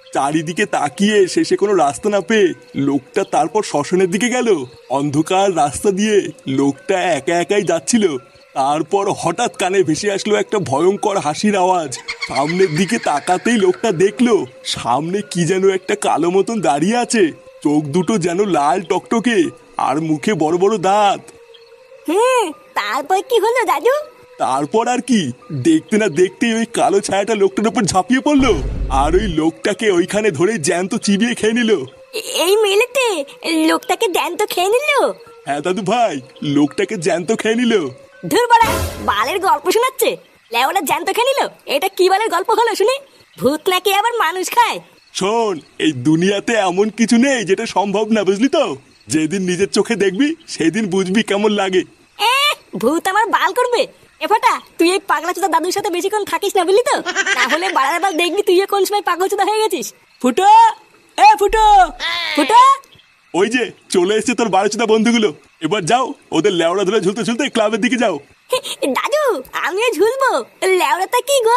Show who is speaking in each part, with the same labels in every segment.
Speaker 1: চারিদিকে তাকিয়ে শেষে কোনো রাস্তা না পেয়ে লোকটা তারপর শ্মশানের দিকে গেল। অন্ধকার রাস্তা দিয়ে লোকটা একা একাই যাচ্ছিল। তারপর হঠাৎ কানে ভেসে আসলো একটা ভয়ঙ্কর হাসির আওয়াজ। সামনের দিকে তাকাতেই লোকটা দেখলো সামনে কি যেন একটা কালো মতন দাঁড়িয়ে আছে। চোখ দুটো যেন লাল টকটকে, আর মুখে বড় বড় দাঁত।
Speaker 2: হ্যাঁ, তারপর কি হলো দাদু?
Speaker 1: তারপর আর কি, দেখতে না দেখতেই ওই কালো ছায়াটা লোকটার উপর ঝাঁপিয়ে পড়লো, আর ওই লোকটাকে ওইখানে ধরে জ্যান্ত চিবিয়ে খেয়ে নিল।
Speaker 2: এই মেলেতে লোকটাকে জ্যান্ত খেয়ে নিল?
Speaker 1: হ্যাঁ দাদু ভাই, লোকটাকে জ্যান্ত খেয়ে নিল।
Speaker 2: ধুর বাড়া, বালের গল্প শোনাচ্ছে। লেওরা জ্যান্ত খেয়ে নিল? এটা কি বালের গল্প হলো শুনি? ভূত নাকি আবার মানুষ খায়?
Speaker 1: শোন, এই দুনিয়াতে এমন কিছু নেই যেটা সম্ভব না, বুঝলি তো? যেদিন নিজের চোখে দেখবি সেদিন বুঝবি কেমন লাগে।
Speaker 2: ভূত আমার বাল করবে? এ ফাটা, তুই এই পাগলা চোদা দাদুর সাথে বেশিক্ষণ থাকিস না, বুঝলি তো? তাহলে বাড়ার বার দেখবি তুই কোন সময় পাগল চোদা হয়ে গেছিস। ফুটো, এ ফুটো, ফুটো।
Speaker 1: ওই যে চলে এসেছে তোর বারোচোদা বন্ধুগুলো। এবার যাও, ওদের লেওড়া ধরে ঝুলতে ঝুলতে ক্লাবের দিকে যাও।
Speaker 2: দাদু, আমিও ঝুলবো? লেওড়াটা কি গো?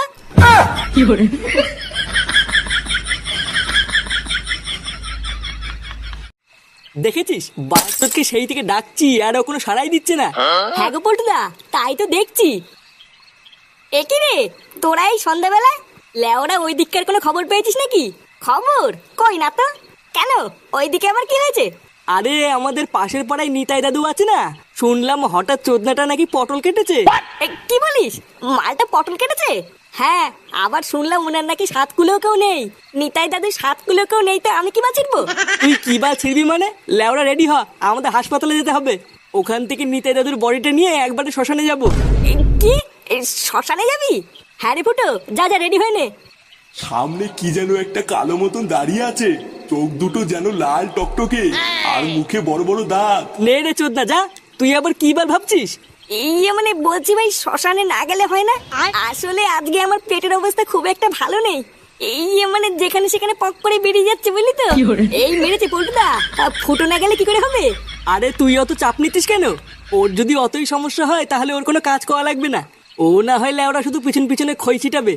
Speaker 3: দেখেছিস বাস্তবকে সেই থেকে ডাকছি আর ও কোনো সাড়াই দিচ্ছে না।
Speaker 2: হ্যাঁ গো পল্টুদা, তাই তো দেখছি। একই রে, তোরা এই সন্ধ্যাবেলায় লেওরা ওই দিককার কোনো খবর পেয়েছিস নাকি? খবর কই না তো। কেন, ওইদিকে আবার কি হয়েছে?
Speaker 3: আরে আমাদের পাশের পাড়ায় নিতাই দাদু আছে না, শুনলাম হঠাৎ চোদনাটা নাকি পটল কেটেছে।
Speaker 2: কি বলিস? মালটা পটল কেটেছে? হ্যাঁ, আবার শুনলাম ওনার নাকি 7 কুলো কেউ নেই। নিতাই দাদু 7 কুলো কেউ নেই, তো আমি কি বাঁচিরবো?
Speaker 3: তুই কি বা ছিড়বি মানে? লেওরা রেডি হ, আমাদের হাসপাতালে যেতে হবে। ওখান থেকে নিতাই দাদুর বডিটা নিয়ে একবারে শ্মশানে যাব।
Speaker 2: কি, শ্মশানে যাবি? হ্যাঁ রে ফুটো, যা যা রেডি হয়ে নে।
Speaker 1: সামনে কি যেন একটা কালো মতন দাঁড়িয়ে আছে, চোখ দুটো যেন লাল টকটকে, আর মুখে বড় বড় দাঁত।
Speaker 3: নে রে চোদনা, যা। তুই আবার কি বার ভাবছিস?
Speaker 2: মানে বলছি ভাই, শ্মশানে না গেলে হয় না? আসলে আজকে আমার পেটের অবস্থা খুব একটা ভালো নেই। মানে যেখানে সেখানে পক করে বেরিয়ে যাচ্ছে, বুঝলি তো? এই মেরেছে পল্টুদা, ফুটো না গেলে কি করে হবে?
Speaker 3: আরে তুই অত চাপ নিতিস কেন? ওর যদি অতই সমস্যা হয় তাহলে ওর কোনো কাজ করা লাগবে না। ও না হয় লেওরা শুধু পিছন পিছনে খই ছিটাবে।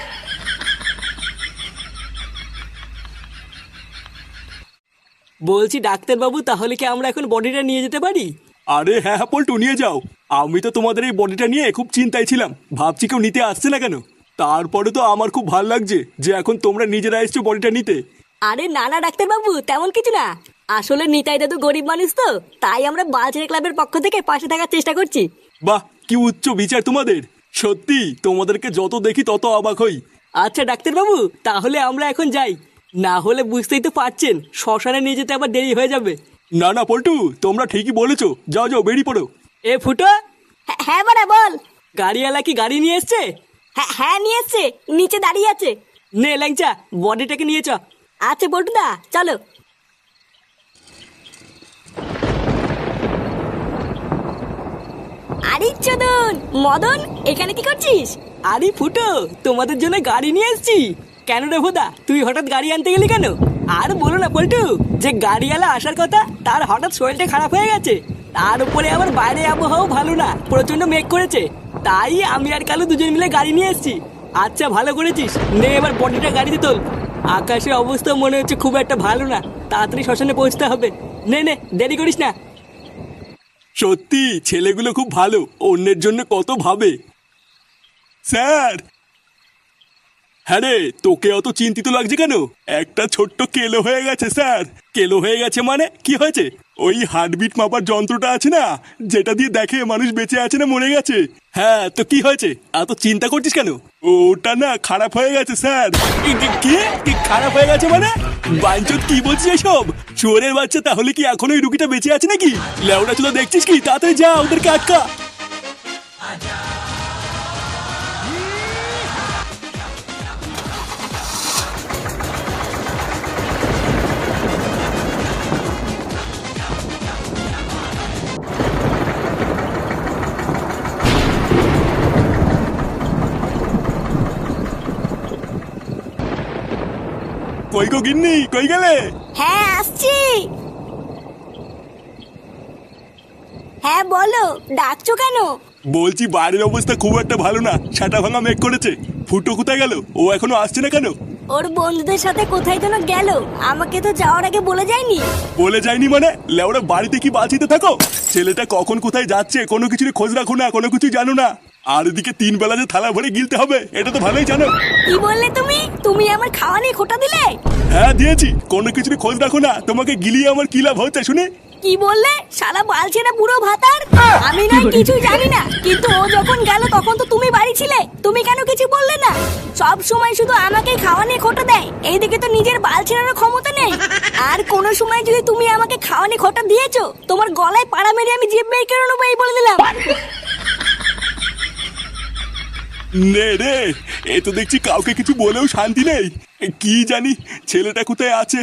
Speaker 3: বলছি ডাক্তারবাবু, তাহলে কি আমরা এখন বডিটা নিয়ে যেতে পারি?
Speaker 1: আরে হ্যাঁ হ্যাঁ পল্টু, নিয়ে যাও। আমি তো তোমাদের এই বডিটা নিয়ে খুব চিন্তায় ছিলাম, ভাবছি কেউ নিতে আসছে না কেন। তারপরে তো আমার খুব ভালো লাগছে যে এখন তোমরা নিজেরা এসছো বডিটা নিতে।
Speaker 2: আরে না না ডাক্তারবাবু, তেমন কিছু না। আসলে নিতাই দাদু গরিব মানুষ তো, তাই আমরা বালছেড়ে ক্লাবের পক্ষ থেকে পাশে থাকার চেষ্টা করছি।
Speaker 1: বাহ, কি উচ্চ বিচার তোমাদের! সত্যি তোমাদেরকে যত দেখি তত অবাক হই।
Speaker 3: আচ্ছা ডাক্তারবাবু, তাহলে আমরা এখন যাই। না হলে বুঝতেই তো পারছেন, শ্মশানে নিয়ে যেতে আবার দেরি হয়ে যাবে।
Speaker 1: না না পল্টু, তোমরা ঠিকই বলেছো, যাও যাও বেরিয়ে পড়ো।
Speaker 3: এ ফুটো,
Speaker 2: হ্যাঁ বাড়া বল।
Speaker 3: গাড়িওয়ালা কি গাড়ি নিয়ে এসছে?
Speaker 2: হ্যাঁ নিয়ে এসছে, নিচে দাঁড়িয়ে আছে।
Speaker 3: নে ল্যাংচা, বডিটাকে নিয়ে চ।
Speaker 2: আচ্ছা পল্টুদা, চলো। আরে চোদন মদন, এখানে কি করছিস?
Speaker 3: আরে ফুটো, তোমাদের জন্য গাড়ি নিয়ে এসেছি। কেন রে ভোদা, তুই হঠাৎ গাড়ি আনতে গেলি কেন? আর বলো না পল্টু, যে গাড়িওয়ালা আসার কথা তার হঠাৎ শরীরটা খারাপ হয়ে গেছে। তার উপরে আবার বাইরে আবহাওয়াও ভালো না, প্রচন্ড মেঘ করেছে। তাই আমি আর কালু দুজন মিলে গাড়ি নিয়ে এসেছি। আচ্ছা ভালো করেছিস, নে এবার বডিটা গাড়িতে তোল। আকাশের অবস্থা মনে হচ্ছে খুব একটা ভালো না, তাড়াতাড়ি শ্মশানে পৌঁছতে হবে। নে নে, দেরি করিস না।
Speaker 1: সত্যি ছেলেগুলো খুব ভালো, অন্যের জন্য কত ভাবে। স্যার! হ্যাঁ রে, তোকে অত চিন্তিত লাগছে কেন? একটা ছোট্ট কেলো হয়ে গেছে স্যার। কেলো হয়ে গেছে মানে কি হয়েছে? ওই হার্টবিট মাপার যন্ত্রটা আছে না, যেটা দিয়ে দেখে মানুষ বেঁচে আছে না মরে গেছে। হ্যাঁ তো কি হয়েছে, এত চিন্তা করছিস কেন? ওটা না খারাপ হয়ে গেছে স্যার। কি কি খারাপ হয়ে গেছে মানে? বাঞ্চত কি বলছিস এসব? শুয়োরের বাচ্চা, তাহলে কি এখন ওই রুগীটা বেঁচে আছে নাকি? লেওড়া চুদা দেখছিস কি? তাড়াতাড়ি যা, ওদেরকে আটকা। কই গো গিন্নি, কই গেলে?
Speaker 2: হ্যাঁ আসছি। হ্যাঁ বলো, ডাকছো কেন?
Speaker 1: বলছি বাড়ির অবস্থা খুব একটা ভালো না, ছাটা ভাঙা মেঘ করেছে। ফুটো কোথায় গেল? ও এখনো আসছে না কেন?
Speaker 2: ওর বন্ধুদের সাথে কোথায় যেন গেল, আমাকে তো যাওয়ার আগে বলে যায়নি।
Speaker 1: বলে যায়নি মানে? লেওরা বাড়িতে কি বাঁচিতে থাকো? ছেলেটা কখন কোথায় যাচ্ছে কোনো কিছুর খোঁজ রাখো না, কোনো কিছু জানো না। আর এদিকে 3 বেলা যে থালা ভরে গিলতে হবে এটা তো ভালোই জানো।
Speaker 2: কি বললে তুমি? তুমি আমার খাওয়া নিয়ে খোটা দিলে?
Speaker 1: হ্যাঁ দিয়েছি, কোনো কিছুর খোঁজ রাখো না, তোমাকে গিলিয়ে আমার কি লাভ হচ্ছে শুনে?
Speaker 2: কি বললে? শালা বালছেনা বুড়ো ভাতার। আমি না কিছু জানি না, কিন্তু ও যখন গেল তখন তো তুমি বাড়ি ছিলে, তুমি কেন কিছু বললে না? সব সময় শুধু আমাকে খাওয়া নিয়ে খোটা দেয়, এইদিকে তো নিজের বালছেনারও ক্ষমতা নেই। আর কোন সময় যদি তুমি আমাকে খাওয়া নিয়ে খোটা দিয়েছো, তোমার গলায় পাড়া মেরে আমি জিভ বের করে নেবো, এই বলে দিলাম।
Speaker 1: নে রে, এ তো দেখছি কাউকে কিছু বলেও শান্তি নেই। কি জানি ছেলেটা কোথায় আছে।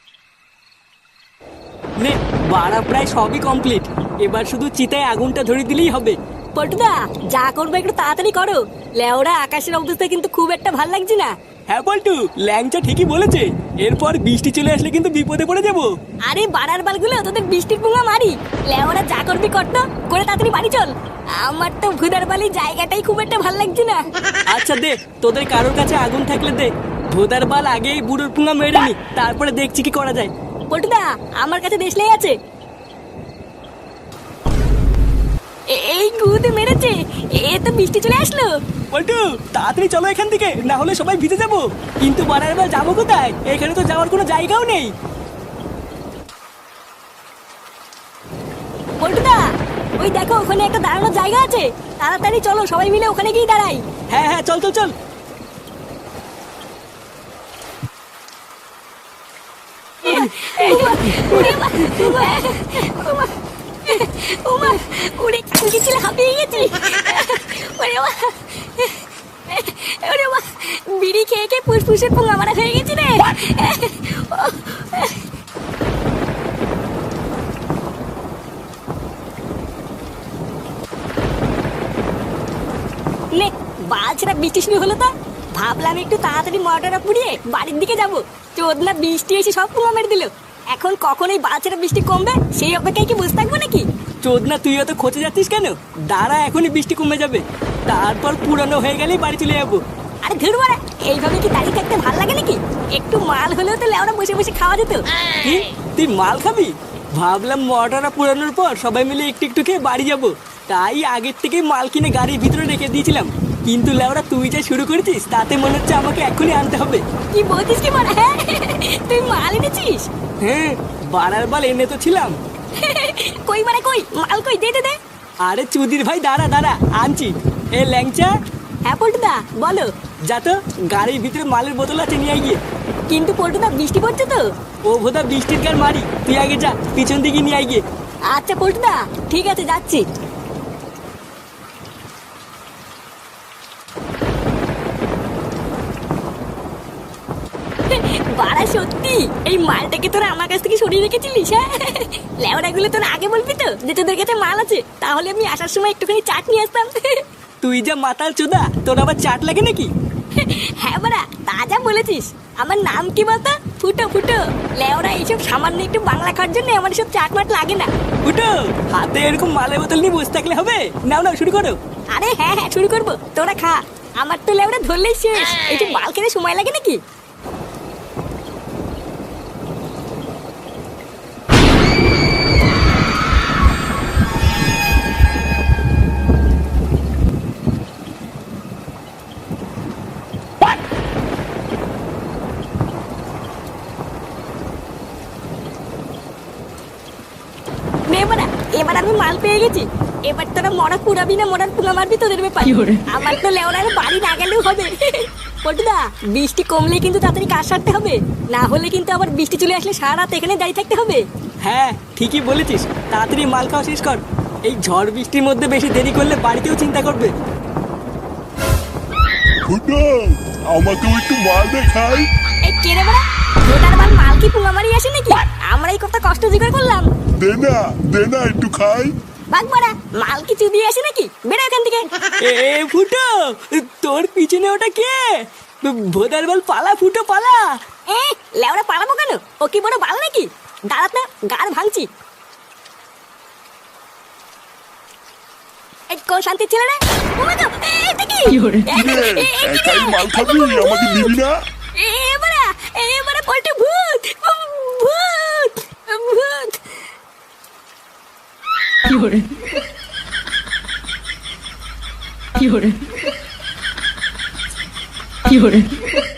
Speaker 3: নে বাড়া প্রায় সবই কমপ্লিট, এবার শুধু চিতায় আগুনটা ধরিয়ে দিলেই হবে।
Speaker 2: পল্টুদা, যা করবে একটু তাড়াতাড়ি করো। লেওরা আকাশের অবস্থা কিন্তু খুব একটা ভাল লাগছে না।
Speaker 3: হ্যাঁ বল্টু, ল্যাংচা ঠিকই বলেছে, এরপর বৃষ্টি চলে আসলে কিন্তু বিপদে পড়ে যাবো।
Speaker 2: আরে বাড়ার বালগুলো, তোদের বৃষ্টির পুঙ্গা মারি। লেওরা যা করবি করতো, করে তাড়াতাড়ি বাড়ি চল। আমার তো ভুদার বালি জায়গাটাই খুব একটা ভাল লাগছে না।
Speaker 3: আচ্ছা দে, তোদের কারোর কাছে আগুন থাকলে দে, ভোদার বাল আগেই বুড়োর পুঙ্গা মেরে নি, তারপরে দেখছি কি করা যায়।
Speaker 2: পল্টুদা, আমার কাছে দেশলাই আছে। এই গুদে মেরেছে, এ তো বৃষ্টি চলে আসলো।
Speaker 3: বল্টু তাড়াতাড়ি চলো এখান থেকে, না হলে সবাই ভিজে যাবো। কিন্তু বাড়ার বার যাবো কোথায়? এখানে তো যাওয়ার কোনো জায়গাও নেই।
Speaker 2: পল্টুদা, ওই দেখো ওখানে একটা দাঁড়ানোর জায়গা আছে, তাড়াতাড়ি চলো সবাই মিলে ওখানে গিয়ে দাঁড়াই।
Speaker 3: হ্যাঁ হ্যাঁ, চল চল চল।
Speaker 2: উড়ে কালকে ছিল, হাঁপিয়ে গেছি। বিড়ি খেয়ে খেয়ে ফুসফুসের পোঙা মারা হয়ে গেছি রে। নে বালছেরা বৃষ্টি শুরু হলো তো, ভাবলাম একটু তাড়াতাড়ি মটরটা পুড়িয়ে বাড়ির দিকে যাবো। চোদনা বৃষ্টি এসে সব পোঙা মেরে দিল। এখন কখন এই বালছেরা বৃষ্টি কমবে সেই অপেক্ষায় কি বসে থাকবো নাকি?
Speaker 3: চোদনা তুই অত খোঁজে যাচ্ছিস কেন? দাঁড়া, এখনই বৃষ্টি কমে যাবে, তারপর পুরানো হয়ে গেলেই বাড়ি চলে যাবো।
Speaker 2: আরে ধুর বাড়া, এইভাবে কি দাঁড়িয়ে থাকতে ভালো লাগে নাকি? একটু মাল হলেও তো লেওরা বসে বসে খাওয়া যেত।
Speaker 3: কি তুই মাল খাবি? ভাবলাম মটরটা পুরানোর পর সবাই মিলে একটু একটু খেয়ে বাড়ি যাবো, তাই আগের থেকেই মাল কিনে গাড়ির ভিতরে রেখে দিয়েছিলাম। কিন্তু লেওরা তুই যা শুরু করেছিস তাতে মনে হচ্ছে আমাকে এখনই আনতে হবে।
Speaker 2: কি বলছিস কি বাড়া? হ্যাঁ, তুই মাল এনেছিস?
Speaker 3: হ্যাঁ, বাড়ার বাল এনে তো ছিলাম।
Speaker 2: কই বাড়া, কই মাল, কই দে দে দে।
Speaker 3: আরে চুদির ভাই দাঁড়া দাঁড়া, আনছি। এ ল্যাংচা।
Speaker 2: হ্যাঁ পল্টুদা, বলো।
Speaker 3: যা তো, গাড়ির ভিতরে মালের বোতল আছে, নিয়ে গিয়ে।
Speaker 2: কিন্তু পল্টুদা বৃষ্টি পড়ছে তো।
Speaker 3: ও ভোদা বৃষ্টির গান মারি, তুই আগে যা, পিছন দিকে নিয়ে গিয়ে।
Speaker 2: আচ্ছা পল্টুদা, ঠিক আছে, যাচ্ছি। বাড়া সত্যি এই মালটাকে তোরা আমার কাছ থেকে সরিয়ে রেখেছিলিস? হ্যাঁ, লেওড়াগুলো তোরা আগে বলবি তো যে তোদের কাছে মাল আছে, তাহলে আমি আসার সময় একটুখানি চাট নিয়ে আসতাম।
Speaker 3: তুই যা মাতাল চোদা, তোর আবার চাট লাগে নাকি?
Speaker 2: হ্যাঁ বাড়া, তা যা বলেছিস। আমার নাম কি বলতো? ফুটো ফুটো। লেওড়া এইসব সামান্য একটু বাংলা খাওয়ার জন্য আমার সব চাট মাট লাগে না।
Speaker 3: ফুটো, হাতে এরকম মালের বোতল নিয়ে বসে থাকলে হবে? নাও নাও, শুরু করো।
Speaker 2: আরে হ্যাঁ হ্যাঁ, শুরু করবো, তোরা খা। আমার তো লেওড়া ধরলেই শেষ, এইসব মাল খেতে সময় লাগে নাকি? এবার আমি মাল পেয়ে গেছি। এবার তোরা মরা পুরাবি না মরার পুঙ্গা মারবি, তোদের ব্যাপার। আমার তো লেওড়ার বাড়ি না গেলেও হবে। পল্টুদা, বৃষ্টি কমলে কিন্তু তাড়াতাড়ি কাজ সারতে হবে, না হলে কিন্তু আবার বৃষ্টি চলে আসলে সারা রাত এখানে দাঁড়িয়ে থাকতে হবে।
Speaker 3: হ্যাঁ ঠিকই বলেছিস, তাড়াতাড়ি মাল খাওয়া শেষ কর। এই ঝড় বৃষ্টির মধ্যে বেশি দেরি করলে বাড়িতেও চিন্তা করবে।
Speaker 1: ফুটো, আমাকেও একটু মাল দেখাই।
Speaker 2: এই কে রে বাড়া? ওটার বাল মাল কি পুঙ্গা মারি আসে নাকি? আমরা এই কত কষ্ট জোগাড় করলাম।
Speaker 1: দে না একটু খাই।
Speaker 2: বাঘ বাড়া, মাল কি চুদিয়ে আসে নাকি? বেড়া এখান থেকে।
Speaker 3: এ ফুটো, তোর পিছনে ওটা কে? ভোদার বল পালা, ফুটো পালা।
Speaker 2: এ লেওড়া পালাবো কেন? ও কি বড় বাল নাকি? দাঁড়াত না, গাড় ভাঙছি। এই কোন শান্তির ছেলে রে? এটা কি?
Speaker 1: একাই মাল খাবি, আমাকে দিবি না?
Speaker 2: এ
Speaker 4: 有人。